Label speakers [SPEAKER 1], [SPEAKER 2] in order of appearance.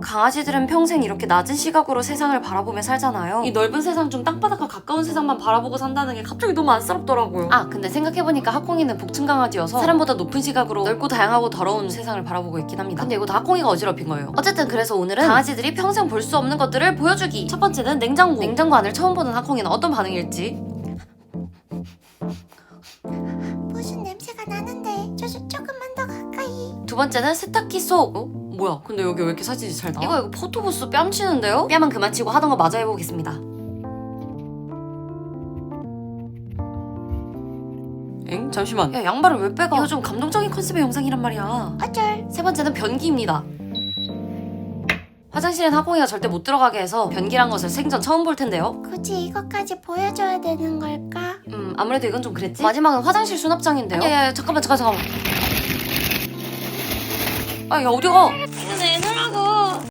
[SPEAKER 1] 강아지들은 평생 이렇게 낮은 시각으로 세상을 바라보며 살잖아요. 이 넓은 세상 중 땅바닥과 가까운 세상만 바라보고 산다는 게 갑자기 너무 안쓰럽더라고요. 아, 근데 생각해보니까 하콩이는 복층 강아지여서 사람보다 높은 시각으로 넓고 다양하고 더러운 세상을 바라보고 있긴 합니다. 근데 이거 다 하콩이가 어지럽힌 거예요. 어쨌든 그래서 오늘은 강아지들이 평생 볼 수 없는 것들을 보여주기. 첫 번째는 냉장고. 냉장고 안을 처음 보는 하콩이는 어떤 반응일지.
[SPEAKER 2] 무슨 냄새가 나는데 조금만 더 가까이.
[SPEAKER 1] 두 번째는 세탁기 속. 뭐야? 근데 여기 왜 이렇게 사진이 잘 나와? 이거 포토부스 뺨치는데요? 뺨은 그만 치고 하던 거 마저 해보겠습니다. 엥? 잠시만. 야, 양말을 왜 빼가? 이거 좀 감동적인 컨셉의 영상이란 말이야.
[SPEAKER 2] 어쩔.
[SPEAKER 1] 세 번째는 변기입니다. 화장실엔 하콩이가 절대 못 들어가게 해서 변기란 것을 생전 처음 볼 텐데요.
[SPEAKER 2] 굳이 이것까지 보여줘야 되는 걸까?
[SPEAKER 1] 아무래도 이건 좀 그랬지? 마지막은 화장실 수납장인데요. 야, 잠깐만. 아, 야, 어디가?